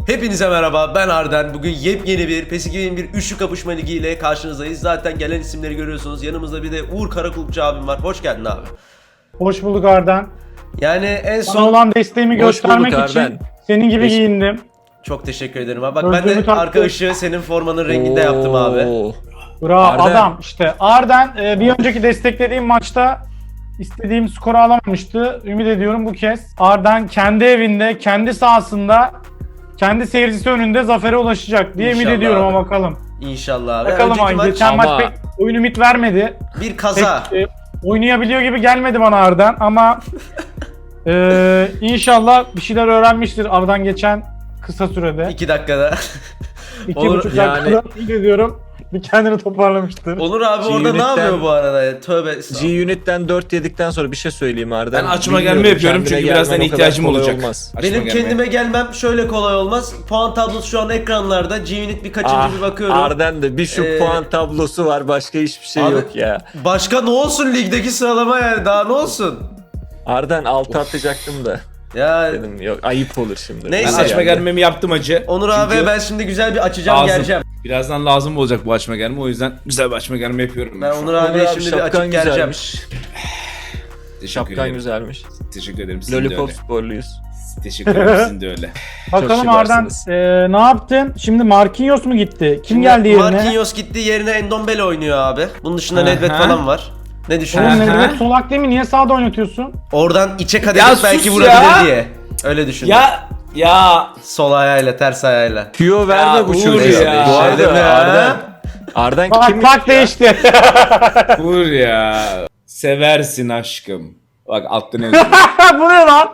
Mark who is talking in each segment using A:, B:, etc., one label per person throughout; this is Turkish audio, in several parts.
A: Hepinize merhaba, ben Arden. Bugün yepyeni bir PES 2021 üçlü kapışma ligi ile karşınızdayız. Zaten gelen isimleri görüyorsunuz. Yanımızda bir de Uğur Karakulukçu abim var. Hoş geldin abi.
B: Hoş bulduk Arden.
A: Yani en
B: Sana
A: son...
B: olan desteğimi göstermek için senin gibi giyindim.
A: Çok teşekkür ederim abi. Bak
B: Gözlüğümü
A: ben de
B: taktım.
A: arka ışığı senin formanın renginde yaptım abi.
B: Bravo
C: Arden.
B: adam işte. Arden bir önceki desteklediğim maçta istediğim skoru alamamıştı. Ümit ediyorum bu kez Arden kendi evinde, kendi sahasında, kendi seyircisi önünde zafere ulaşacak diye ümit
A: İnşallah
B: ediyorum
A: abi.
B: ama bakalım.
A: İnşallah abi.
B: Bakalım
A: Önceki
B: abi.
A: maç
B: Geçen
C: ama-
B: maç pek oyun ümit vermedi.
A: bir kaza.
B: Pek, oynayabiliyor gibi gelmedi bana Arden ama inşallah bir şeyler öğrenmiştir aradan geçen kısa sürede.
A: 2 dakikada.
B: 2,5
C: yani-
B: dakikada ümit ediyorum. Bir kendini toparlamıştır.
A: Onur abi orada ne
C: G-Unit'ten-
A: yapıyor bu arada ya? Tövbe estağfurullah.
C: G-Unit'ten 4 yedikten sonra bir şey söyleyeyim Arden.
D: Ben açma
C: Bilmiyorum,
D: gelme yapıyorum
C: kendine
D: çünkü birazdan
C: gelmen o kadar
D: ihtiyacım
C: kolay
D: olacak.
C: olmaz.
D: Açma
A: Benim
D: gelme.
A: kendime gelmem şöyle kolay olmaz. Puan tablosu şu an ekranlarda. G-Unit bir kaçıncı bir bakıyorum.
C: Arden de bir şu puan tablosu var, başka hiçbir şey
A: Abi-
C: yok ya.
A: Başka ne olsun ligdeki sıralama yani, daha ne olsun?
C: Arden 6 atacaktım da
A: Ya
C: dedim yok ayıp olur şimdi.
D: Ben
A: Neyse.
D: açma gelmemi yaptım acı.
A: Onur
D: Çünkü
A: abi ben şimdi güzel bir açacağım,
D: lazım.
A: geleceğim.
D: Birazdan lazım olacak bu açma gelme, o yüzden güzel bir açma gelme yapıyorum.
A: Ben
D: şu an.
A: Onur abiye
C: Onur abi
A: şimdi bir
C: şapkan
A: açıp geleceğim.
C: güzelmiş.
D: Teşekkür
C: Şapkan
D: ederim.
C: güzelmiş.
D: Teşekkür ederim, sizin de
C: Lollipop
D: öyle.
C: sporluyuz.
D: Teşekkür ederim, sizin de öyle.
B: Bakalım Arden
C: şımarsınız.
B: ne yaptın? Şimdi Marquinhos mu gitti? Kim geldi yerine?
A: Marquinhos gitti, yerine Endombele oynuyor abi. Bunun dışında
D: Aha.
A: Nedved falan var. Ne
B: Oğlum
A: düşünüyorsun?
B: Nedved solak değil mi? Niye sağda oynatıyorsun?
A: Oradan içe kat
D: Ya
A: edip belki
D: sus
A: vurabilir
D: ya!
A: diye. Öyle düşündüm.
D: Ya
A: Sol ayağıyla, ters ayağıyla.
C: Tüyo verme
D: Ya
C: bu
D: Uğur
C: çocuğa.
D: ya.
C: Bu
A: Dedim
C: arada
A: ya.
C: Arden
B: Bak
C: kim?
B: bak değişti.
D: vur ya. Seversin aşkım. Bak altta ne yazıyor?
B: Bu ne lan?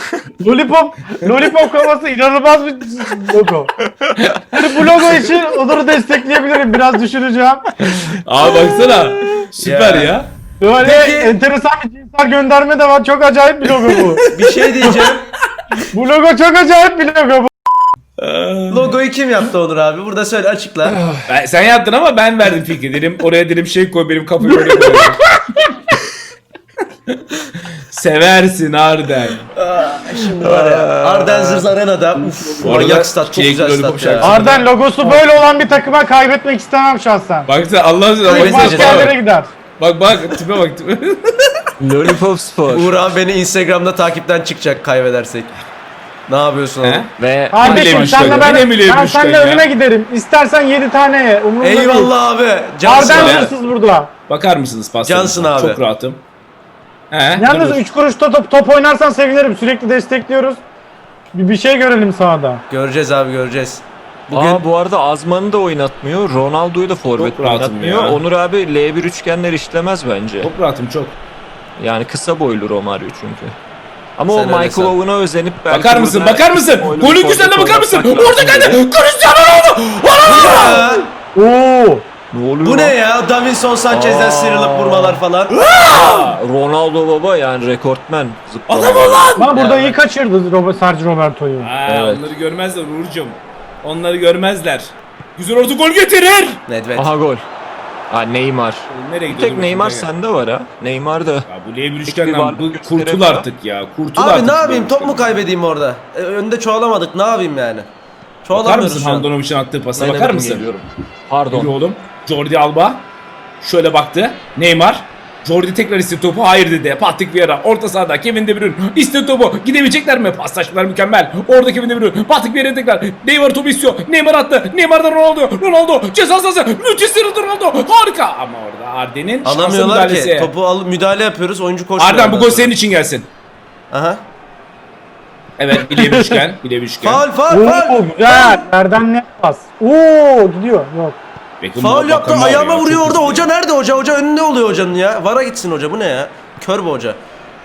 B: Lollipop kafası inanılmaz bir logo. Yani bu logo için Onur'u destekleyebilirim. Biraz düşüneceğim.
D: Abi baksana. Süper
A: Ya.
D: ya.
B: Böyle
A: Peki-
B: enteresan bir cinsel gönderme de var. Çok acayip bir logo bu.
A: Bir şey diyeceğim.
B: Bu logo çok acayip bir logo bu.
A: Logoyu kim yaptı Onur abi? Burada söyle, açıkla.
D: Sen yaptın ama ben verdim fikri. Dedim oraya dedim şey koy, benim kafayı oraya koy. Seversin Arden.
A: Şimdi var ya. Ardenzers Arena'da. Uf,
D: Bu arada
A: manyak stat, çok
D: Jake
A: güzel
D: Lollipop
A: stat ya.
D: şarkısı.
B: Arden logosu böyle olan bir takıma kaybetmek istemem şahsen.
D: Baksana Allah'ın
A: Hayır,
D: bak,
A: mesajı
B: Başka yerlere
D: bak,
B: gider.
D: bak tipe bak tipe.
C: Lollipop spor.
A: Uğur abi beni Instagram'da takipten çıkacak kaybedersek. Ne yapıyorsun oğlum?
D: He?
C: Ve
B: Kardeşim
D: Bilemiş
B: senle
D: kanka,
B: ben
D: bilemiş
B: seninle
D: kanka ya.
B: önüne giderim. İstersen 7 tane ye. Umurumda değil.
A: Eyvallah abi. Cansın
B: Arden
A: abi.
D: ya.
B: hırsız burada.
D: Bakar mısınız pastanıza?
A: Cansın abi.
D: Çok rahatım. He?
B: Yalnız
D: dur.
B: 3 kuruşta top oynarsan sevinirim. Sürekli destekliyoruz. Bir şey görelim sahada.
A: Göreceğiz abi, göreceğiz. Bugün
C: bu arada Azman'ı da oynatmıyor. Ronaldo'yu da forvet
D: Çok rahatım
C: oynatmıyor.
D: ya.
C: Onur abi L1 üçgenler işlemez bence.
D: Çok rahatım çok.
C: Yani kısa boylu Romario çünkü. Ama
A: Sen
C: o
A: öyle
C: Michael
A: san.
C: Owen'a özenip belki
D: Bakar mısın?
C: burada
D: Bakar mısın?
C: boylu
D: Golün
C: bir
D: güzelliğine
C: forvet
D: bakar mısın?
C: oynatmak
D: Orada
C: lazım
D: geldi.
C: gibi.
D: Cristiano Ronaldo.
A: Ya,
B: Oo!
C: Ne oluyor
A: bu
C: lan?
A: ne ya? Davinson Sanchez'den
C: Aa.
A: sıyrılıp vurmalar falan.
C: Ronaldo baba yani rekortmen. zıplama.
D: Adam ol lan.
B: Ama burada
A: Ya.
B: iyi kaçırdı Sergio Roberto'yu.
C: Evet.
D: Onları görmezler Uğur'cum. Onları görmezler. Güzel orta gol getirir.
A: Nedved.
C: Aha gol. Ha Neymar.
D: Nereye
C: Bir
D: gidiyor?
C: tek Neymar sende var ha. Neymar da.
D: Ya bu L1
C: bir
D: üçgenden
C: varlık
D: bu
C: gösteremiyor.
D: kurtul artık ya. Kurtul artık.
A: Abi ne
D: şu
A: yapayım?
D: L1
A: Top mu
D: üçgenden.
A: kaybedeyim orada? Önde çoğalamadık. Ne yapayım yani?
D: Bakar
A: Çoğalamıyoruz
D: mısın
A: şu an.
D: Handanovic'in attığı pasa?
C: Ne
D: Bakar
C: demek
D: mısın?
C: geliyorum.
D: Yürü
C: Pardon.
D: oğlum. Jordi Alba. Şöyle baktı. Neymar. Jordi tekrar istedi topu. Hayır dedi. Patrick Vieira. Orta sahada. Kevin De Bruyne. İstedi topu. Gidebilecekler mi? Paslaşmalar mükemmel. Orada Kevin De Bruyne. Patrick Vieira tekrar. Neymar topu istiyor. Neymar attı. Neymar'dan Ronaldo. Ronaldo. Ceza sahası. Müthiş sıyrıldı Ronaldo. Harika. Ama orada Arden'in şanslı
A: Alamıyorlar
D: müdahalesi.
A: ki. Topu alıp müdahale yapıyoruz. Oyuncu koşuyor.
D: Arden bu
A: ondan
D: gol
A: sonra.
D: senin için gelsin.
A: Aha.
D: Evet. Bileğe bir üçgen. Bileğe bir üçgen.
A: Faul.
B: Oo güzel. Nereden ne pas? Oo gidiyor. Yok.
D: Beckham
A: Faul yaptı.
D: bakan var
A: Ayağıma
D: ya,
A: vuruyor
D: çok
A: orada.
D: hızlı.
A: Hoca nerede hoca? Hoca önünde oluyor hocanın ya. Vara gitsin hoca. Bu ne ya? Kör bu hoca.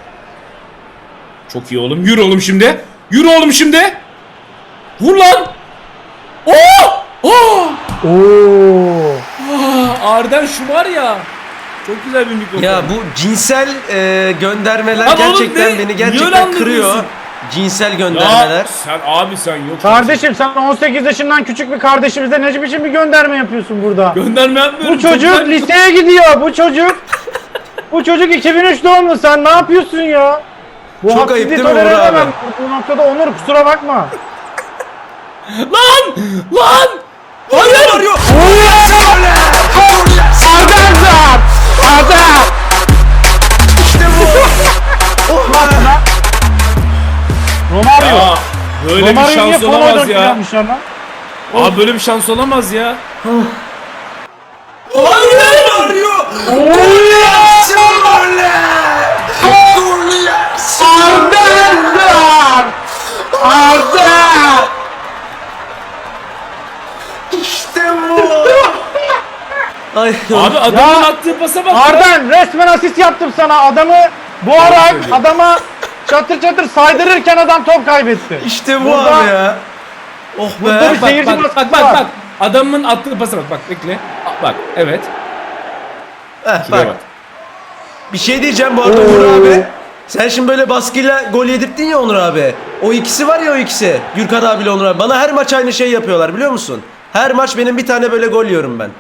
D: Çok iyi oğlum. Yürü oğlum şimdi. Yürü oğlum şimdi. Vur lan. Oo! Oo!
B: Oo.
D: Arden şu var ya. Çok güzel bir mikrofon.
A: Ya bu cinsel göndermeler
D: Lan oğlum
A: gerçekten
D: ne?
A: beni
D: Niye
A: gerçekten
D: öyle
A: kırıyor.
D: anlamıyorsun?
A: Cinsel göndermeler.
D: Ya sen abi sen yok.
B: Kardeşim sen 18 yaşından küçük bir kardeşimize ne biçim bir gönderme yapıyorsun burada?
D: Gönderme yapmıyorum.
B: Bu çocuk liseye gidiyor. Bu çocuk 2003 doğumlu. Sen ne yapıyorsun ya? Bu
A: Çok
B: haksızlığı
A: ayıp değil mi
B: tolere
A: Uğur abi?
B: edemem. Bu noktada Onur kusura bakma.
D: Lan! Lan! Hayır!
A: Arıyor. İşte bu. Oh be.
B: Romario.
D: Ya böyle bir
B: Romario'yu niye
D: şans
B: Fono'ya
D: olamaz
B: dönüp
D: ya.
B: yapmışlar lan?
D: Abi böyle bir şans olamaz ya.
A: Hayır arıyor.
B: Arda!
A: İşte bu. Ay
D: Abi adamın
B: Ya,
D: attığı pasa bak.
B: Arden resmen asist yaptım sana. Adamı bu ara adama çatır çatır saydırırken adam top kaybetti.
A: işte bu
B: Burada-
A: abi ya. Oh
B: Burada
A: be.
B: bir seyirci
D: Bak
B: baskısı var.
D: Adamın attığı pasa bak. Bak bekle. Bak evet.
A: Bak.
D: Bak.
A: Bir şey diyeceğim bu arada Onur abi. Sen şimdi böyle baskıyla gol yedirttin ya Onur abi. O ikisi var ya o ikisi. Gürkan abiyle Onur abi. Bana her maç aynı şey yapıyorlar biliyor musun? Her maç benim bir tane böyle gol yiyorum ben.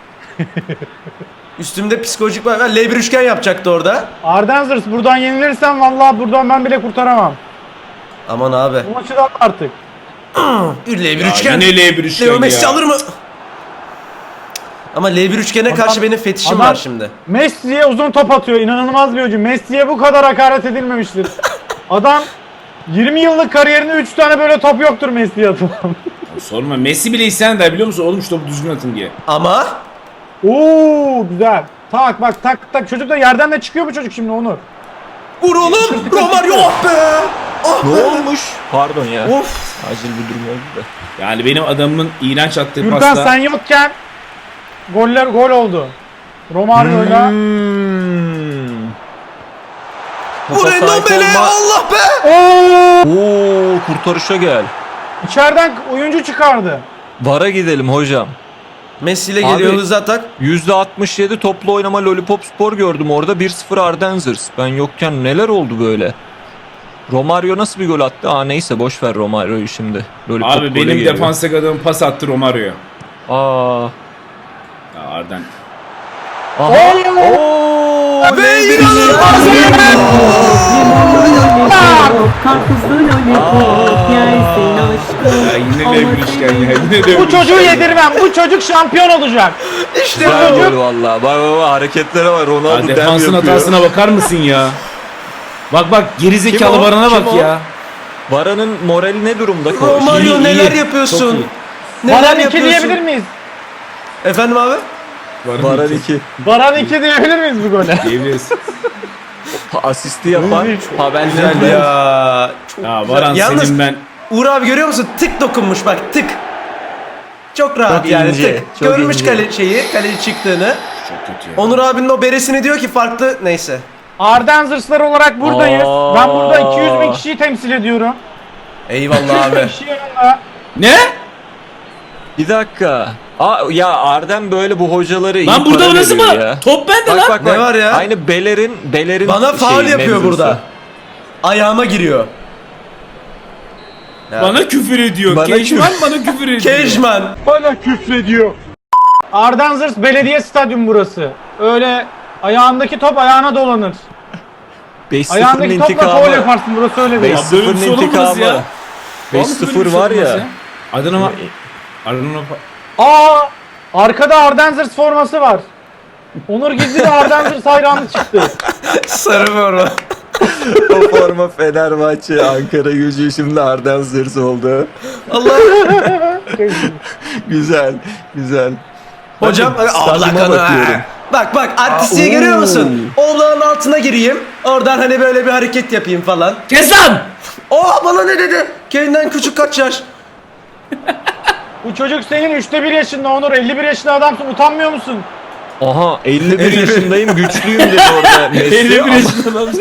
A: Üstümde psikolojik var. L1 üçgen yapacaktı orada.
B: Arden Zırs buradan yenilirsen vallahi buradan ben bile kurtaramam.
A: Aman abi.
B: Bu maçı da artık.
A: L1
D: Ya
A: üçgen.
D: yine L1 üçgen
A: Leo Messi
D: ya.
A: alır mı? Ama L1 üçgene karşı benim fetişim
B: adam-
A: var şimdi.
B: Messi'ye uzun top atıyor. İnanılmaz bir oyuncu. Messi'ye bu kadar hakaret edilmemiştir. Adam 20 yıllık kariyerinde 3 tane böyle top yoktur Messi'ye atılan.
D: Sorma Messi bile isyan eder biliyor musun? Oğlum şu topu düzgün atın diye.
A: Ama
B: Oo güzel. Tak bak tak tak. Çocuk da yerden de çıkıyor bu çocuk şimdi Onur.
A: vur oğlum. Romario oh be. Oh
C: Ne
A: be.
C: olmuş? Pardon ya.
A: Of.
C: Acil bir durum oldu da.
D: Yani benim adamın iğrenç attığı
B: Gürkan
D: pasta.
B: sen yokken gol oldu. Romario'yla
A: Vur
C: Topa sahip
A: Endombele
C: olma-
A: Allah be.
C: Oo, kurtarışa gel.
B: içeriden oyuncu çıkardı.
C: VAR'a gidelim hocam.
A: Messi ile geliyor
C: Abi-
A: hızlı atak.
C: %67 toplu oynama Lollipop Spor gördüm orada. 1-0 Ardenzers. Ben yokken neler oldu böyle? Romario nasıl bir gol attı? Neyse boş ver Romario'yu şimdi. Lollipop
D: Abi
C: gole
D: benim
C: geliyor.
D: defanstaki adamın pas attı Romario'ya.
C: Aa.
D: Ya Arden.
C: Aha. Oo,
A: Ve
C: ne
A: inanılmaz
E: Karpuzlu lollipop yersin aşkım.
D: Ya yine L1 üçgen ya. Yine L1
B: Bu çocuğu
D: üçgen.
B: yedirmem. Bu çocuk şampiyon olacak.
A: İşte
C: Güzel
A: bu.
C: gol valla. Bak hareketlere var.
D: Ya
C: Ronaldo dem
D: defansın
C: yapıyor.
D: hatasına bakar mısın ya? Bak gerizekalı
C: Kim o?
D: Baran'a
C: Kim
D: bak
C: o?
D: ya.
C: Vara'nın morali ne durumda?
A: Romario
D: İyi,
A: neler
D: iyi.
A: yapıyorsun?
D: Çok iyi.
A: Neler
B: Baran 2
A: yapıyorsun?
B: diyebilir miyiz?
A: Efendim abi?
C: Varan 2.
B: Baran 2 diyebilir miyiz bu gole?
D: Diyebiliriz.
C: Asisti yapan Pavel
A: Güzel
C: Nedved.
A: ya. Çok
D: Ya
A: güzel.
D: Baran
A: Yalnız
D: senin ben.
A: Uğur abi görüyor musun? Tık dokunmuş bak tık. Çok rahat
C: Çok
A: yani
C: ince,
A: tık.
C: çok
A: Görmüş
C: ince.
A: kaleci çıktığını.
D: Çok kötü ya.
A: Onur abinin o beresini diyor ki farklı neyse.
B: Ardenzırslar olarak buradayız.
C: Aa.
B: Ben burada 200 bin kişiyi temsil ediyorum.
A: Eyvallah
B: 200 bin
A: abi.
B: kişi yanında.
D: Ne?
C: Bir dakika. Ya Arden böyle bu hocaları iyi
D: Lan burada
C: para
D: nasıl
C: veriyor
D: bana?
C: ya.
D: Top bende
C: Bak
D: lan.
C: bak
A: Ne
C: bak.
A: var ya?
C: Aynı Beler'in
A: Bana faul
C: şeyi,
A: yapıyor
C: mevzusu.
A: burada. Ayağıma giriyor. Ya.
D: Bana küfür ediyor.
C: Bana
D: Keşman bana küfür ediyor.
A: Kejman.
B: Ardenzırs Belediye Stadyum burası. Öyle ayağındaki top ayağına dolanır.
C: 5-0'ın
B: Ayağındaki topla faul
C: intikamı.
B: yaparsın burası öyle değil.
D: Ya böyle bir
C: 5-0'ın
D: şey olamaz
C: intikamı.
D: ya. Vallahi böyle bir
C: 5-0
D: şey
C: var
D: olamaz
C: ya.
D: Adana
B: Aa! Arkada Ardenzırs forması var. Onur Gizli de Ardenzırs hayranı çıktı.
A: Sarı forma.
C: O forma Fenerbahçe, Ankara Gücü, şimdi Arden Zırs oldu.
A: Allah.
C: Güzel, güzel.
A: Hocam
C: Bakın,
A: abla
C: stadyuma
A: kanı.
C: bakıyorum.
A: Bak bak artistliği
C: oo.
A: görüyor musun? Oğlanın altına gireyim. Oradan hani böyle bir hareket yapayım falan.
D: Kes lan!
A: Oh bana ne dedi? Kendinden küçük kaç yaş?
B: Bu çocuk senin 3'te 1 yaşında Onur. 51 yaşında adamsın. Utanmıyor musun?
C: Aha 51 yaşındayım, güçlüyüm dedi orada Messi.
D: 51
C: Ama
D: yaşında adam.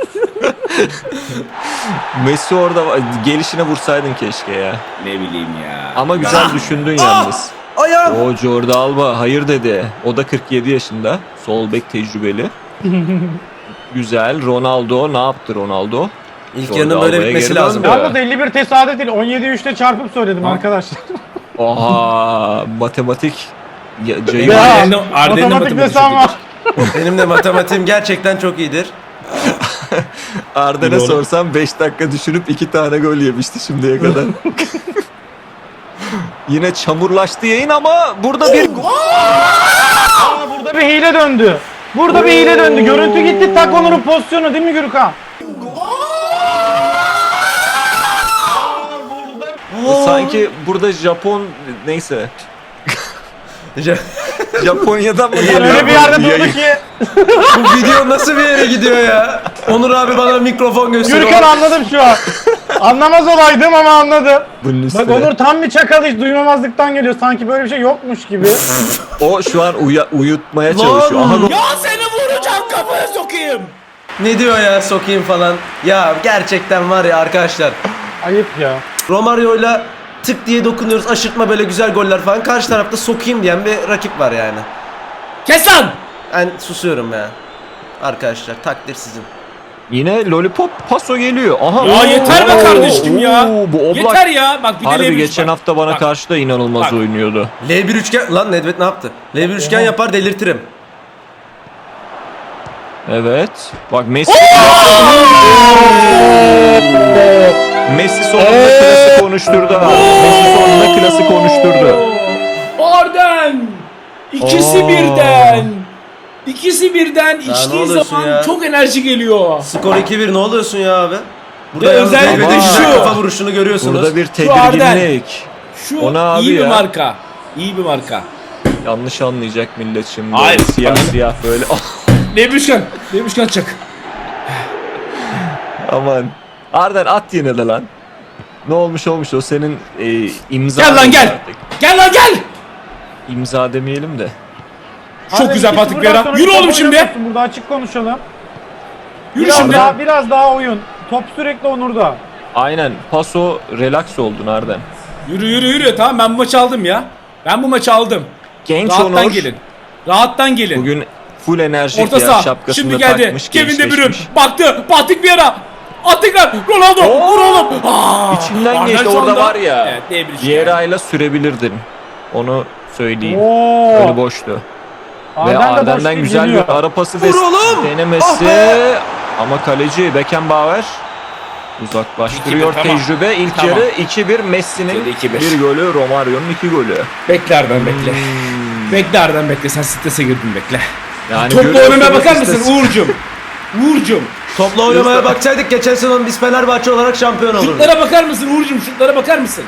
C: Messi orada gelişine vursaydın keşke ya.
D: Ne bileyim ya.
C: Ama güzel düşündün yalnız.
A: Ayağım.
C: O Jordi Alba hayır dedi. O da 47 yaşında. Sol bek tecrübeli. Güzel. Ronaldo ne yaptı Ronaldo?
A: İlk
C: Jordi
A: yarının böyle
C: Alba'ya
A: bitmesi
C: geri
A: lazım.
C: döndü.
B: Yalnız 51 tesadüf değil. 17'yi 3'te çarpıp söyledim arkadaşlar.
C: Oha matematik. Ceyhun.
B: Ya,
D: Arden'in
B: matematik
D: matematik
B: desem var.
A: Benim de matematiğim gerçekten çok iyidir.
C: Arden'e
D: Doğru.
C: sorsam 5 dakika düşünüp 2 tane gol yemişti şimdiye kadar. Yine çamurlaştı yayın ama burada bir
B: Aa, burada bir hile döndü. Burada bir hile döndü. Görüntü gitti. Tak Onur'un pozisyonu değil mi Gürkan?
C: sanki burada Japon neyse Japonya'dan mı geliyor?
B: Öyle bir yerde
C: bu
B: durdu
C: yayın?
B: ki.
A: Bu video nasıl bir yere gidiyor ya? Onur abi bana mikrofon gösteriyor.
B: Gürkan anladım şu an. Anlamaz olaydım ama anladım.
C: Bunun
B: Bak
C: üstüne.
B: Onur tam bir çakal, hiç duymamazlıktan geliyor. Sanki böyle bir şey yokmuş gibi.
C: O şu an uyutmaya çalışıyor. Aha,
D: Ya seni vuracağım, kafaya sokayım.
A: Ne diyor ya, sokayım falan. Ya gerçekten var ya arkadaşlar.
B: Ayıp ya.
A: Romario'yla tık diye dokunuyoruz. Aşırtma böyle güzel goller falan. Karşı tarafta sokayım diyen bir rakip var yani.
D: Kes lan.
A: Ben susuyorum ya. Arkadaşlar takdir sizin.
C: yine lollipop paso geliyor. Aha.
D: Ya yeter be kardeşim ya.
C: Bu Oblak
D: Yeter ya. Bak bir de
C: harbi
D: L1
C: geçen
D: bak.
C: hafta bana
D: Bak.
C: karşı da inanılmaz
D: Bak.
C: oynuyordu.
A: L1 üçgen... Lan Nedved ne yaptı? L1 üçgen yapar delirtirim.
C: Evet. Bak Messi. Messi sonunda klası konuşturdu. Messi sonunda klası konuşturdu.
D: Arden. İkisi
C: Oo.
D: birden. İkisi birden
A: ne
D: içtiği
A: oluyorsun
D: zaman
A: ya?
D: çok enerji geliyor.
A: Skor 2-1, ne oluyorsun ya abi? Burada
D: Ya
A: yalnız
D: özellikle
A: Nedved'in güzel
D: şu.
A: kafa vuruşunu görüyorsunuz.
C: Burada bir
D: Arden.
C: tedirginlik.
D: Şu
C: O ne abi
D: iyi bir
C: ya?
D: marka. İyi bir marka.
C: Yanlış anlayacak millet şimdi.
D: Hayır.
C: Siyah
D: Bana-
C: siyah böyle.
D: Lebüşkan. Lebüşkan çak.
C: Aman. Arden at yine de lan. Ne olmuş o senin imza.
D: Gel lan gel.
C: artık.
D: Gel lan gel.
C: İmza demeyelim de.
D: Çok
B: Abi,
D: güzel
B: iki
D: Patrick
B: sıfırdan
D: Vieira.
B: sonra
D: Yürü
B: top
D: oğlum şimdi.
B: oynamıyorsun. Burada açık konuşalım.
D: Yürü
B: Biraz
D: şimdi.
B: daha oyun. Top sürekli Onur'da.
C: Aynen. Paso relax oldun Arden.
D: Yürü yürü yürü. Tamam ben bu maçı aldım ya. Ben bu maçı aldım.
C: Genç
D: Rahattan
C: Onur.
D: gelin. Rahattan gelin.
C: Bugün full enerjik
D: Orta
C: ya.
D: saha.
C: Şapkasını
D: Şimdi
C: da
D: geldi.
C: takmış.
D: Kevin De Bruyne.
C: gençleşmiş.
D: Baktı. Patrick Vieira. At tekrar. Ronaldo. Vur oğlum. Aa,
C: İçinden
D: Arden
C: geçti
D: şu
C: orada
D: anda-
C: var ya.
D: Evet, L1 üçgen.
C: Vieira'yla sürebilirdin. Onu söyleyeyim.
B: Oo.
C: Önü boştu. Ve
B: Arden de boş
C: Arden'den
B: değil,
C: güzel
B: geliyor.
C: bir ara pası
A: Vur oğlum!
C: denemesi.
A: Ah be!
C: Ama kaleci Beckenbauer uzaklaştırıyor
D: 2-1, tamam.
C: tecrübe. İlk
D: Tamam.
C: yarı 2-1 Messi'nin
D: Şöyle 2-1.
C: bir golü, Romario'nun 2 golü.
D: Bekle Arden bekle. Bekle Arden bekle. Sen strese girdin bekle.
C: Yani
D: Topla
C: görüyorsunuz
D: oynamaya bakar
C: işte-
D: mısın Uğur'cum? Uğur'cum.
A: Topla oynamaya baksaydık geçen sezon biz Fenerbahçe olarak şampiyon olurduk.
D: Şutlara bakar mısın Uğur'cum? Şutlara bakar mısın?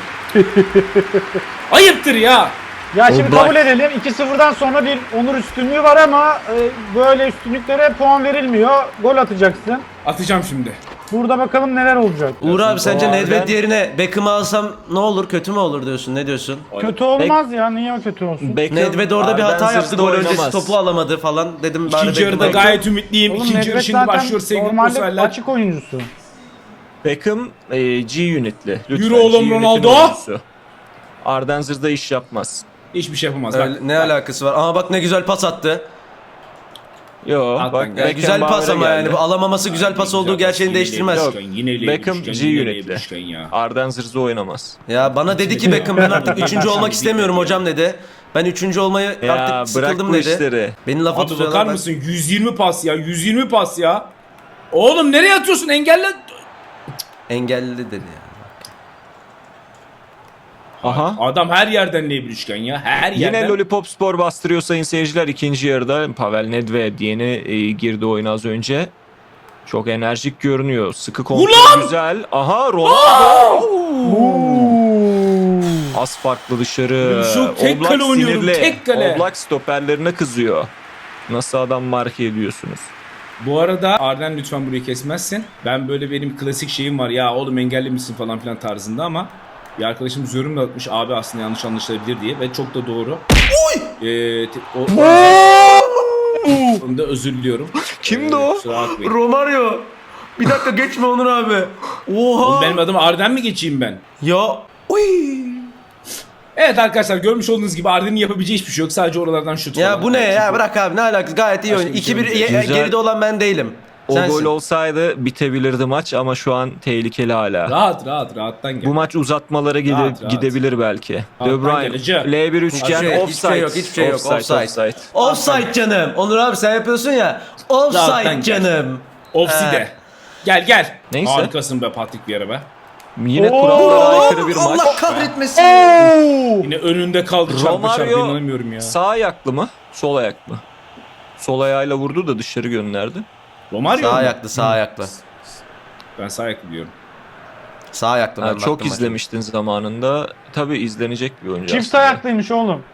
D: Ayıptır ya.
B: Ya şimdi
C: Oblak.
B: kabul edelim. 2-0'dan sonra bir Onur üstünlüğü var ama böyle üstünlüklere puan verilmiyor. Gol atacaksın.
D: Atacağım şimdi.
B: Burada bakalım neler olacak.
A: Uğur abi sence
C: Arden-
A: Nedved yerine Beckham'ı alsam ne olur, kötü mü olur diyorsun, ne diyorsun?
B: Kötü olmaz ya. Niye kötü olsun?
C: Beckham,
A: Nedved orada bir hata
C: Arden
A: yaptı,
C: zırhta
A: gol öncesi
C: oynamaz.
A: topu alamadı falan dedim bari
D: İkinci yarıda
A: Beckham'ı-
D: gayet ümitliyim.
B: Oğlum
D: İkinci yarı
B: Nedved
D: şimdi
B: zaten
D: başlıyor sevgili
B: normalde
D: konserler.
B: açık oyuncusu.
C: Beckham G unitli. Lütfen,
D: Yürü oğlum
C: G unit'in
D: Ronaldo.
C: oyuncusu. Arden zırda iş yapmaz.
D: Hiçbir şey yapamaz.
A: Öyle-
D: Bak,
A: ne alakası var? Ama bak ne güzel pas attı.
C: Yo
D: Alttan
C: bak
D: geldi.
A: Ya güzel pas
C: Beckenbauer'a
A: ama yani
C: geldi.
A: bu alamaması güzel pas olduğu gerçeğini değiştirmez.
C: Yok.
D: Yine
C: Beckham
D: L1
C: G
D: üçgen,
C: unitli.
D: üçgen ya.
C: Arden zırza oynamaz.
A: Ya bana dedi ki Beckham ben artık 3. olmak istemiyorum hocam dedi. Ben 3. olmayı
C: Ya
A: artık
C: bırak
A: sıkıldım
C: bu
A: dedi.
C: işleri.
A: Beni lafa
D: Abi bakar
A: tutuyorlar.
D: mısın? 120 pas ya. 120 pas ya. Oğlum nereye atıyorsun? Engelle.
A: Engelli dedi ya.
C: Aha.
D: Adam her yerden L1 üçgen ya. Her yerden.
C: Yine Lollipop Spor bastırıyor sayın seyirciler. İkinci yarıda Pavel Nedved yeni girdi oyuna az önce. Çok enerjik görünüyor. Sıkı kontrol
D: Ulan!
C: güzel. Aha Ronaldo. Az farklı dışarı.
D: Şu tek
C: Oblak
D: kale oynuyorum,
C: sinirli.
D: tek kale.
C: Oblak stoperlerine kızıyor. Nasıl adam marke ediyorsunuz?
D: Bu arada Arden lütfen burayı kesmezsin. Ben böyle benim klasik şeyim var. Ya oğlum engelli misin falan filan tarzında ama bir arkadaşımız yorum da atmış abi aslında yanlış anlaşılabilir diye ve çok da doğru. Onda özür diliyorum.
C: Kimdi o?
D: Kusura bakmayın.
A: Romario. Bir dakika geçme Onur abi. Oha.
D: Oğlum benim adım Arden mi geçeyim ben?
A: Ya. Uy.
D: Evet arkadaşlar görmüş olduğunuz gibi Arden'in yapabileceği hiçbir şey yok. Sadece oralardan şut
A: Ya
D: falan.
A: bu ne ya,
D: Çünkü-
A: bırak abi, ne alakası, gayet iyi
D: Başka
A: oyun.
D: bir şey
A: 2-1
D: yok.
C: Güzel.
A: geride olan ben değilim.
C: O
A: Sensin.
C: gol olsaydı bitebilirdi maç ama şu an tehlikeli hala.
D: Rahattan gel.
C: Bu maç uzatmalara
D: Rahat.
C: gidebilir belki. De
D: Rahattan
C: Bruyne,
D: geleceğim.
C: L1 üçgen,
A: Hiçbir
C: offside.
A: şey yok, hiçbir şey yok. Offside.
C: Offside.
A: Offside canım. Onur abi sen yapıyorsun ya. Offside
D: Rahattan gel.
A: canım.
D: Offside. Gel.
C: Neyse.
D: Harikasın be Patrick Vieira be.
C: Yine
B: Oo!
C: kurallara aykırı bir maç.
A: Allah kahretmesin.
D: Yine önünde kaldı çarpı çarpı,
C: Romario
D: inanamıyorum ya.
C: sağ ayaklı mı? Sol ayak mı? Sol ayağıyla vurdu da dışarı gönderdi.
D: Romario
A: Sağ
D: mu?
A: ayaklı, sağ ayaklı.
D: Ben sağ ayaklı diyorum.
A: Sağ ayaklı ben
C: Ha,
A: baktım
C: çok
A: maça.
C: izlemiştin zamanında. Tabii izlenecek bir oyuncu
B: Çift
C: aslında.
B: ayaklıymış oğlum.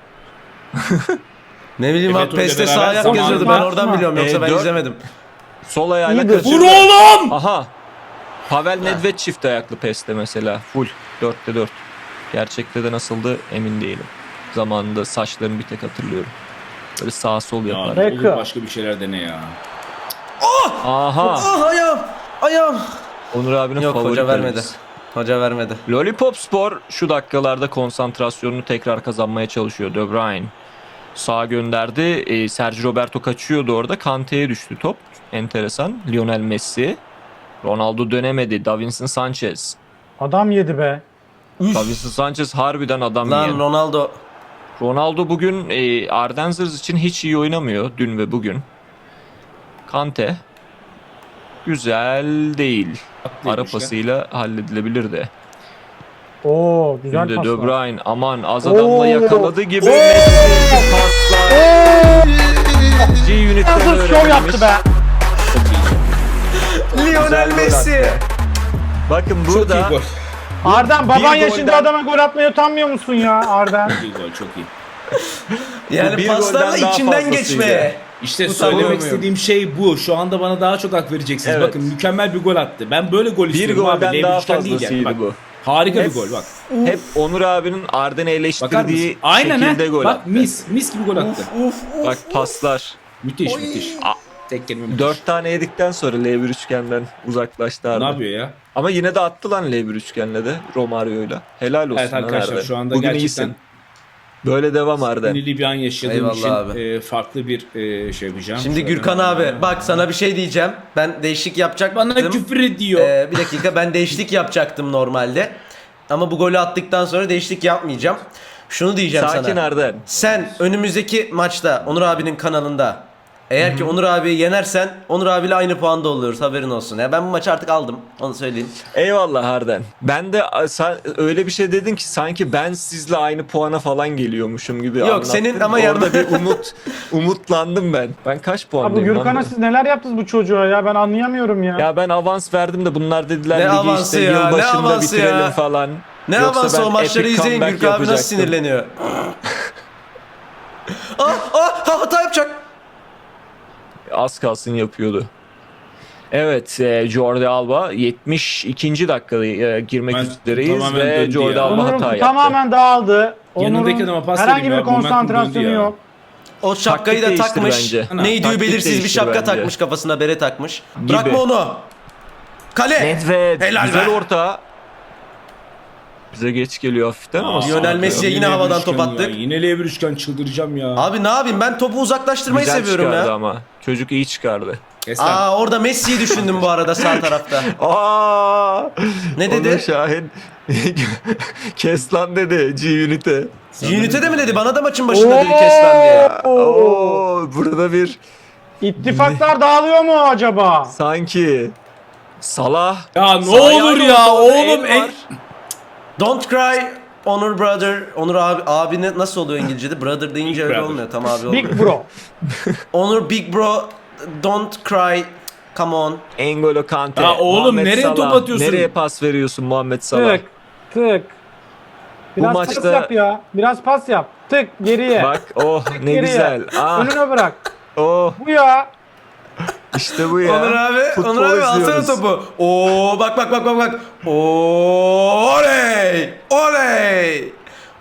A: Ne bileyim
D: Evet,
A: abi PES'te
D: öyle
A: sağ
D: beraber
A: ayak
D: zamanında-
A: yazıyordu. Ben oradan biliyorum yoksa ben
C: dört-
A: izlemedim.
C: Sol ayağıyla
B: İyidir.
C: kaçırdı.
D: Vur oğlum!
C: Aha. Pavel Nedved çift ayaklı PES'te mesela. Full. 4'te 4. Gerçekte de nasıldı emin değilim. Zamanında saçlarını bir tek hatırlıyorum. Böyle sağ sol
D: Ya
C: yapar.
B: Peki.
D: olur başka bir şeyler dene ya.
C: Aha.
A: Ah ayağım. Ayağım.
C: Onur abinin
A: Yok
C: favori
A: hoca vermedi.
C: kalecisi.
A: Hoca vermedi.
C: Lollipop Spor şu dakikalarda konsantrasyonunu tekrar kazanmaya çalışıyor. De Bruyne sağa gönderdi. Sergio Roberto kaçıyordu orada. Kante'ye düştü top. Enteresan. Lionel Messi. Ronaldo dönemedi. Davinson Sanchez.
B: Adam yedi be.
C: Davinson Sanchez harbiden adam
A: Lan
C: yiyen.
A: Ronaldo.
C: Ronaldo bugün Ardenzers için hiç iyi oynamıyor. Dün ve bugün. Kante. Güzel değil. Ara
D: Haklıymış ya.
C: pasıyla halledilebilirdi.
B: Oo güzel
C: Şimdi De
B: paslar.
C: Bruyne aman az
B: Oo.
C: adamla yakaladı gibi Messi paslar. G-Unit'ten
B: Nasıl şov yaptı be.
A: Lionel
C: gol
A: Messi.
C: attı. Bakın
D: Çok iyi
C: burada
D: gol.
B: Arden baban
C: Bir
B: yaşında
C: golden-
B: adama gol atmaya utanmıyor musun ya Arden?
D: Çok iyi gol, çok iyi.
A: Yani
C: bir
A: paslarla
C: golden daha
A: içinden
C: fazlasıydı.
A: geçme.
D: İşte
A: Utanmıyorum.
D: söylemek istediğim şey bu. Şu anda bana daha çok hak vereceksiniz.
C: Evet.
D: Bakın mükemmel bir gol attı. Ben böyle gol
C: bir
D: istiyorum abi.
C: golden daha
D: L1 üçgen değil
C: fazlasıydı
D: Bak,
C: bu.
D: harika bir
C: Hep-
D: gol bak.
C: Hep Onur abinin Arden'i
D: Bakar
C: eleştirdiği
D: mısın? Aynen
C: şekilde
D: he.
C: gol
D: Bak
C: attı.
D: mis gibi gol attı.
C: Bak paslar.
D: Müthiş müthiş. Tek kelime müthiş.
C: 4 tane yedikten sonra L1 üçgenden uzaklaştı
D: Ne
C: Arden.
D: yapıyor ya?
C: Ama yine de attı lan L1 üçgenle de Romario'yla. Helal olsun
D: Evet
C: lan
D: arkadaşlar
C: Arden.
D: şu anda
C: Bugün
D: gerçekten
C: iyisin. Böyle devam Arden.
D: sinirli bir an yaşadığım
A: Eyvallah
D: için
A: abi.
D: farklı bir şey yapacağım.
A: Şimdi
D: Şöyle-
A: Gürkan abi bak sana bir şey diyeceğim. Ben değişik yapacaktım.
D: Bana küfür ediyor.
A: Bir dakika ben değişiklik yapacaktım normalde. Ama bu golü attıktan sonra değişiklik yapmayacağım. Şunu diyeceğim
C: Sakin
A: sana.
C: Arden.
A: Sen önümüzdeki maçta Onur abinin kanalında eğer ki Onur abiyi yenersen Onur abiyle aynı puanda oluyoruz haberin olsun. Ya ben bu maçı artık aldım onu söyleyeyim.
C: Eyvallah Arden. Ben de sen öyle bir şey dedin ki sanki ben sizle aynı puana falan geliyormuşum gibi
A: Yok,
C: anlattın.
A: senin ama
C: Orada
A: yanında-
C: bir umutlandım ben. Ben kaç
B: Abi
C: puandayım lan
B: Gürkan'a
C: ben?
B: siz neler yaptınız bu çocuğa ya ben anlayamıyorum ya.
C: Ya ben avans verdim de bunlar dediler
A: Ne
C: ligi
A: avansı
C: işte
A: ya, ne
C: yılbaşında
A: avansı
C: bitirelim
A: ya?
C: falan.
A: Ne
C: Yoksa
A: avansı
C: ben
A: o maçları
C: epic
A: izleyin
C: comeback
A: Gürkan abi nasıl
C: yapacaktım.
A: sinirleniyor. Hata yapacak.
C: Az kalsın yapıyordu. Evet, Jordi Alba 72. dakikada girmek
D: Ben
C: üzereyiz
D: tamamen
C: ve
D: döndü
C: Jordi
D: ya.
C: Alba
B: Onur'un
C: hata yaptı.
B: tamamen dağıldı.
D: Yanındaki
B: Onur'un
D: adama pas
B: herhangi
D: vereyim
B: bir
D: ya, momentum
B: konsantrasyonu
D: döndü ya.
B: yok.
A: O şapkayı da
C: Taktik değiştir
A: takmış.
C: bence.
A: Neydi
C: Taktik
A: belirsiz bir
C: değiştir
A: şapka
C: bence.
A: takmış kafasına bere takmış. Bırakma onu. Kale.
C: Nedved
A: Helal
C: güzel
A: be.
C: orta. Bize geç geliyor hafiften ama.
A: Lionel Messi'ye yine
D: L1
A: havadan
D: üçgen
A: top attık.
D: ya. Yine L1 üçgen çıldıracağım ya.
A: Abi ne yapayım ben topu uzaklaştırmayı
C: Güzel
A: seviyorum
C: çıkardı
A: ya.
C: ama. Çocuk iyi çıkardı.
D: Kes lan.
A: Aa orada Messi'yi düşündüm bu arada sağ tarafta.
C: Aa!
A: Ne dedi?
C: Onur Şahin kes lan dedi G-Unit'e.
A: Unit'e mi dedi? Bana da maçın başında dedi kes lan diye.
C: Oo, burada bir
B: İttifaklar dağılıyor mu acaba?
C: sanki Salah.
D: Ya ne
C: Sağ
D: olur
C: ayağıyla
D: ya
C: ortada
D: oğlum.
C: el var.
A: Don't cry Onur brother. Onur abi ne nasıl oluyor İngilizce'de? Brother deyince öyle
D: brother.
A: olmuyor. Tam abi olmuyor.
B: Big bro.
A: Onur big bro. Don't cry. Come on.
C: N'Golo Kante.
D: Ya oğlum,
C: Muhammed
D: nereye
C: Salah.
D: top atıyorsun?
C: Nereye pas veriyorsun Muhammed Salah?
B: Tık. Tık. Biraz pas
C: maçta-
B: yap ya. Biraz pas yap. Tık geriye.
C: Bak oh ne
B: Geriye.
C: güzel. Ah
B: Önüne bırak.
C: oh
B: Bu ya.
C: işte bu ya.
A: Onur abi,
C: Futbol
A: Onur abi alsana
C: izliyoruz.
A: topu. Oo bak. Oley! Oley!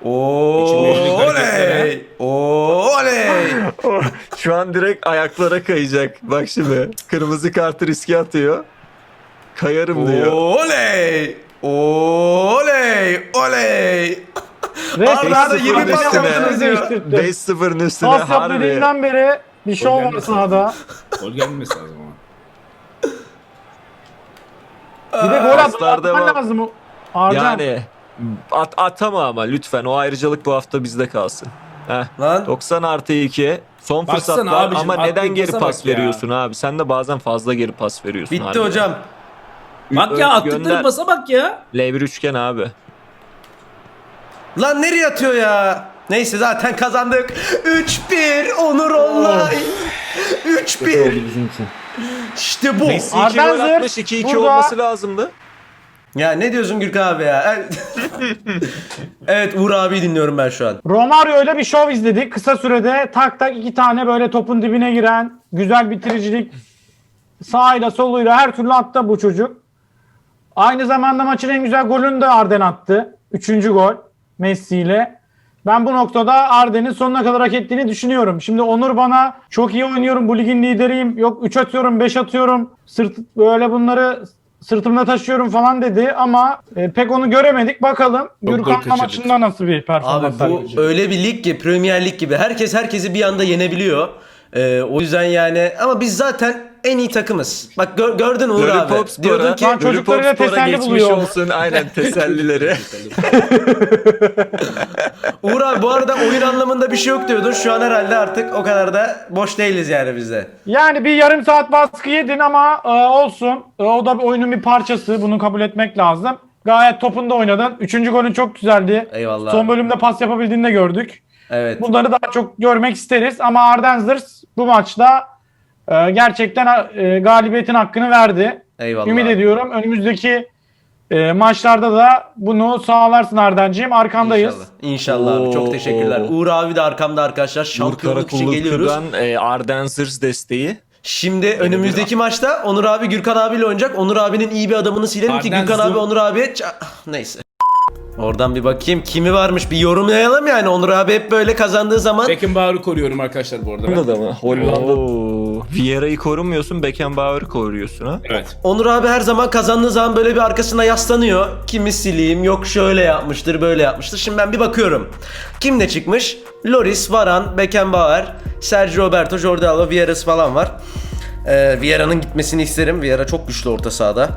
A: Oley! Oley!
C: Şu an direkt ayaklara kayacak. Bak şimdi kırmızı kartı riske atıyor. Kayarım diyor.
A: Oley! Oley! Oley!
B: Resmen
A: Arda
C: 5-0'ın
A: 20 pas
C: üstüne.
A: yaptınız ya.
C: 5-0'ın üstüne
B: Pas yap
C: harbi.
B: dediğinden beri bir şov var
D: gelmesin.
B: sahada.
D: Gol gelmesi lazım ama.
B: Bir de gol
C: paslar
B: atman
C: devam.
B: lazım. Arcan.
C: Yani atama ama lütfen o ayrıcalık bu hafta bizde kalsın. Heh.
A: Lan
C: 90+2 son
D: Baksana
C: fırsatlar
D: abicim,
C: ama neden
D: attığı
C: geri
D: pasa
C: pas
D: bak ya.
C: veriyorsun abi? Sen de bazen fazla geri pas veriyorsun.
A: bitti
C: harbiden.
A: hocam.
D: Bak ya attıkları
C: Gönder.
D: pasa bak ya.
C: L1 üçgen abi.
A: Lan nereye atıyor ya? Neyse zaten kazandık. 3-1 Onur Online. 3-1. İşte bu.
C: Messi 2
B: Arden
C: gol
B: Zır
C: atmış, 2-2
B: burada.
C: olması lazımdı.
A: Ya ne diyorsun Gürkan abi ya? Evet Uğur abi dinliyorum ben şu an.
B: Romario ile bir şov izledik. Kısa sürede tak tak 2 tane böyle topun dibine giren güzel bitiricilik sağıyla soluyla her türlü attı bu çocuk. Aynı zamanda maçın en güzel golünü de Arden attı. 3. gol Messi ile. Ben bu noktada Arden'in sonuna kadar hak ettiğini düşünüyorum. Şimdi Onur bana çok iyi oynuyorum, bu ligin lideriyim, yok 3 atıyorum, 5 atıyorum, böyle bunları sırtımda taşıyorum falan dedi ama pek onu göremedik. Bakalım
D: gol
B: Gürkan'la
D: kaçırdık.
B: maçında nasıl bir
A: Abi
B: performans
A: bu
B: sergileyecek?
A: öyle bir lig ki Premier Lig gibi. Herkes herkesi bir anda yenebiliyor. O yüzden yani ama biz zaten en iyi takımız. Bak gördün Uğur abi. Diyordun ki
B: Ben çocuklarıyla teselli
C: geçmiş
B: buluyor.
C: olsun aynen tesellileri.
A: Uğur abi bu arada oyun anlamında bir şey yok diyordun. Şu an herhalde artık o kadar da boş değiliz yani biz de.
B: Yani bir yarım saat baskı yedin ama olsun. O da bir oyunun bir parçası. Bunu kabul etmek lazım. Gayet topunda oynadın. 3. golün çok güzeldi.
A: Eyvallah.
B: Son bölümde pas yapabildiğini de gördük.
A: Evet.
B: Bunları daha çok görmek isteriz. Ama Arden Zırs bu maçta gerçekten galibiyetin hakkını verdi.
A: Eyvallah.
B: Ümit ediyorum. Önümüzdeki maçlarda da bunu sağlarsın Arden'ciğim. Arkandayız.
A: İnşallah. İnşallah abi. Çok
C: Oo.
A: teşekkürler. Uğur abi de arkamda arkadaşlar.
C: Uğur
A: Şampiyonluk için geliyoruz.
C: Karakulluklu'dan Arden Zırs desteği.
A: Şimdi önümüzdeki maçta Onur abi Gürkan abiyle oynayacak. Onur abinin iyi bir adamını silelim ki
D: Arden
A: Gürkan abi
D: Zoom.
A: Onur abiye neyse. Oradan bir bakayım kimi varmış bir yorumlayalım yani. Onur abi hep böyle kazandığı zaman
D: Beckenbauer'ı koruyorum arkadaşlar bu arada. ben.
C: Hollanda'da mı? Hollanda. Vieira'yı korumuyorsun, Beckenbauer'ı koruyorsun ha.
D: Evet.
A: Onur abi her zaman kazandığı zaman böyle bir arkasına yaslanıyor. Kimi sileyim, yok şöyle yapmıştır, böyle yapmıştır. Şimdi ben bir bakıyorum. Kim ne çıkmış? Lloris, Varane, Beckenbauer, Sergio Roberto, Jordi Alba, Vieira'sı falan var. Vieira'nın gitmesini isterim. Vieira çok güçlü orta sahada.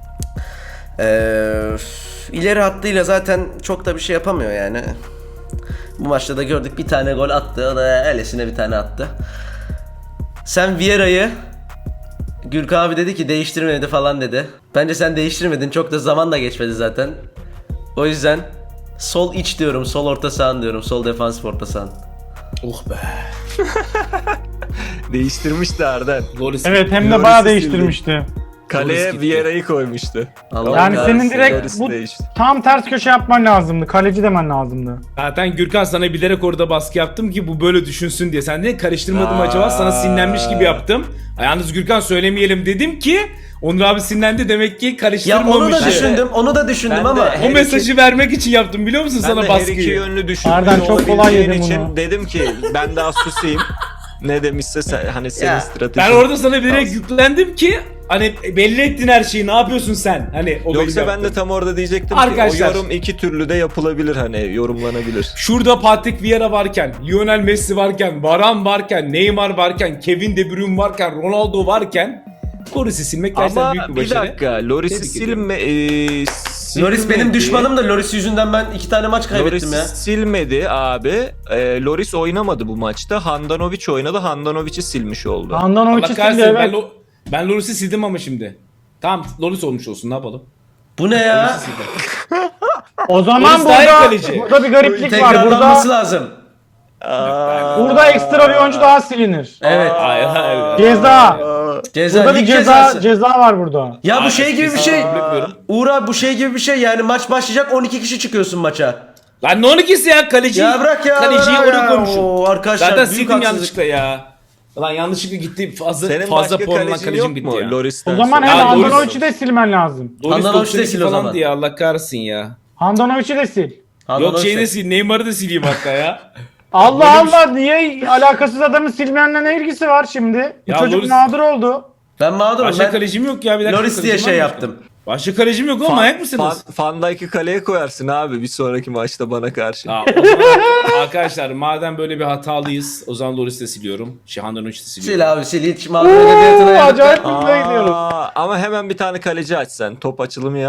A: İleri hattıyla zaten çok da bir şey yapamıyor yani. Bu maçta da gördük bir tane gol attı. O da elesine bir tane attı. Sen Vieira'yı Gürkan abi dedi ki değiştirmedi falan dedi. Bence sen değiştirmedin. Çok da zaman da geçmedi zaten. O yüzden sol iç diyorum. Sol orta sahan diyorum. Sol defansif orta sahan.
D: Oh be.
C: Değiştirmişti Arden.
D: Loris.
B: Evet hem de
C: Loris'i
B: bayağı
C: sildi.
B: değiştirmişti.
C: Kaleye
D: gitti.
C: Vieira'yı koymuştu.
A: Allah
B: Yani
A: kahretsin.
B: senin direkt
C: Loris
B: bu
C: değişti.
B: tam ters köşe yapman lazımdı. Kaleci demen lazımdı.
D: Zaten Gürkan sana bilerek orada baskı yaptım ki bu böyle düşünsün diye. Sen de karıştırmadım acaba sana sinirlenmiş gibi yaptım. Yalnız Gürkan söylemeyelim dedim ki Onur abi sinirlendi demek ki
A: Ya
D: karıştırmamış.
A: onu da
D: Yani.
A: düşündüm. Onu da düşündüm
C: Ben de
A: ama
D: O mesajı vermek için yaptım biliyor musun
C: Ben
D: sana
C: de her iki
D: baskıyı?
C: yönlü düşünmüş
B: Arden çok kolay
C: olabileceğin
B: yedim
C: için
B: bunu.
C: dedim ki ben daha susayım. Ne demişse hani senin
A: Ya,
C: stratejin.
D: Ben orada sana bilerek yüklendim ki hani belli ettin her şeyi ne yapıyorsun sen? Hani o
C: Yoksa
D: benim
C: ben de
D: yaptığım.
C: tam orada diyecektim
D: Arkadaşlar.
C: ki o yorum iki türlü de yapılabilir hani yorumlanabilir.
D: Şurada Patrick Vieira varken, Lionel Messi varken, Varane varken, Neymar varken, Kevin De Bruyne varken, Ronaldo varken Loris'i silmek gerçekten
C: Ama
D: büyük bir
C: bir
D: başarı.
C: dakika Loris'i
D: Tebrik ediyorum.
A: Loris benim düşmanım da Loris yüzünden ben 2 tane maç kaybettim
C: Loris
A: ya.
C: silmedi abi. Loris oynamadı bu maçta. Handanovic oynadı. Handanovic'i silmiş oldu.
D: Allah
B: Handanovic'i sildi
D: kahretsin
B: evet.
D: ben Loris'i sildim ama şimdi. Tamam Loris olmuş olsun ne yapalım?
A: Bu ne ya?
D: Loris'i sildim.
B: O zaman
D: Loris daha iyi
B: burada,
D: kaleci.
B: burada bir gariplik var.
A: Tekrarlanması lazım.
B: Burada ekstra bir oyuncu daha silinir.
A: Evet.
D: Hayır hayır.
B: Ceza.
A: Ceza,
B: Burada bir
A: lig
B: ceza
A: cezası.
B: var burada.
A: Ya bu
D: Hayır,
A: şey gibi bir
D: kesin
A: şey.
D: kabul etmiyorum.
A: Uğur abi bu şey gibi bir şey yani maç başlayacak 12 kişi çıkıyorsun maça.
D: Lan ne 12'si ya kaleci.
A: Ya bırak ya.
D: Kaleciyi
A: bırak
D: oraya
A: ya.
D: koymuşum.
A: Oo, arkadaşlar
D: Zaten
A: büyük
D: sildim
A: haksızlık.
D: yanlışlıkla ya. Lan yanlışlıkla gitti fazla
C: Senin
D: fazla
C: başka
D: puanla
C: kalecin
D: kalecim
C: yok
D: gitti
C: mu?
D: ya.
C: Loris'ten
B: O zaman
C: sonra.
B: hem
D: Ya, Loris-
B: Handanovic'i de silmen lazım.
D: Loris
A: Handanovic de
D: 92
A: sil o
D: falan
A: zaman.
D: diye Allah kahretsin ya.
B: Handanovic'i de sil.
D: Yok şeyi de sil Neymar'ı da sileyim hatta ya.
B: Allah Allah niye alakasız adamı silmenle ne ilgisi var şimdi? Bu
D: Ya
B: çocuk
D: Loris-
B: mağdur oldu.
A: Ben mağdurum.
D: Başka
A: Ben
D: kalecim yok ya bir dakika.
A: Loris diye
D: kalecim
A: şey
D: var mı
A: yaptım.
D: başka? Başka kalecim yok oğlum ayak mısınız?
C: Van Dijk'ı kaleye koyarsın abi bir sonraki maçta bana karşı.
D: O zaman arkadaşlar madem böyle bir hatalıyız o zaman Loris'i de siliyorum. Handanovic de siliyorum.
A: Sil abi sil hiç mağdur edebiyatına
B: Oo,
A: yazık.
B: acayip hızlı gidiyoruz.
C: Ama hemen bir tane kaleci aç sen. Top açılımı yap.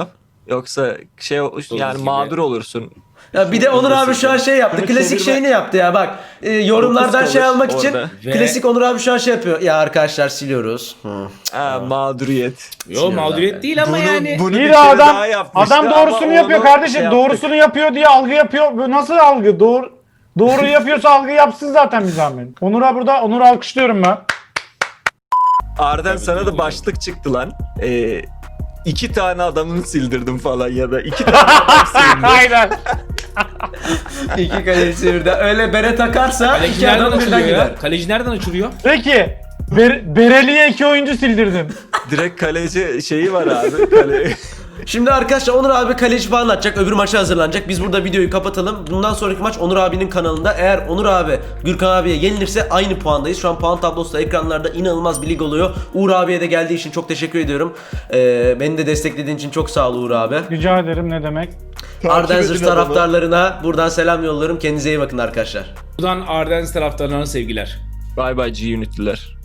C: Yoksa yani
D: gibi.
C: mağdur olursun.
A: Ya bir de Onur abi şu an şey yaptı.
C: Bunu
A: Klasik
C: çevirme-
A: şeyini yaptı ya bak. Yorumlardan
C: Dokuz
A: şey
C: kalır
A: almak için
C: orada.
D: Ve-
A: klasik Onur abi şu an şey yapıyor. Ya arkadaşlar siliyoruz.
C: Mağduriyet.
D: Yo mağduriyet değil ama yani.
C: Bunu
B: İyi
C: bir
B: de
C: kere
B: adam
C: daha yapmıştı
B: adam
C: ama
B: doğrusunu yapıyor
C: onu
B: kardeşim.
C: şey yaptık.
B: Doğrusunu yapıyor diye algı yapıyor. Bu nasıl algı? Doğru yapıyorsa algı yapsın zaten bir zahmet. Onur'a burada Onur'u alkışlıyorum ben.
C: Arden sana da başlık çıktı lan. 2 tane adamını sildirdim falan ya da 2 tane adam sildim.
B: Aynen.
A: İki kaleci birden. Öyle bere takarsa
D: Kaleci
A: iki
D: nereden
A: adam birden
D: açılıyor
A: gider.
D: ya? Kaleci nereden açılıyor?
B: Peki. Bereli'ye 2 oyuncu sildirdim.
C: Direkt kaleci şeyi var abi. Kale...
A: Şimdi arkadaşlar Onur abi kaleci falan atacak. Öbür maça hazırlanacak. Biz burada videoyu kapatalım. Bundan sonraki maç Onur abinin kanalında. Eğer Onur abi Gürkan abiye yenilirse aynı puandayız. Şu an puan tablosu da ekranlarda inanılmaz bir lig oluyor. Uğur abiye de geldiği için çok teşekkür ediyorum. Beni de desteklediğin için çok sağ ol Uğur abi.
B: Rica ederim, ne demek.
A: Ardenzers taraftarlarına buradan selam yolluyorum. Kendinize iyi bakın arkadaşlar.
D: Buradan Ardens taraftarlarına sevgiler.
C: Bye bye G-Unit'liler.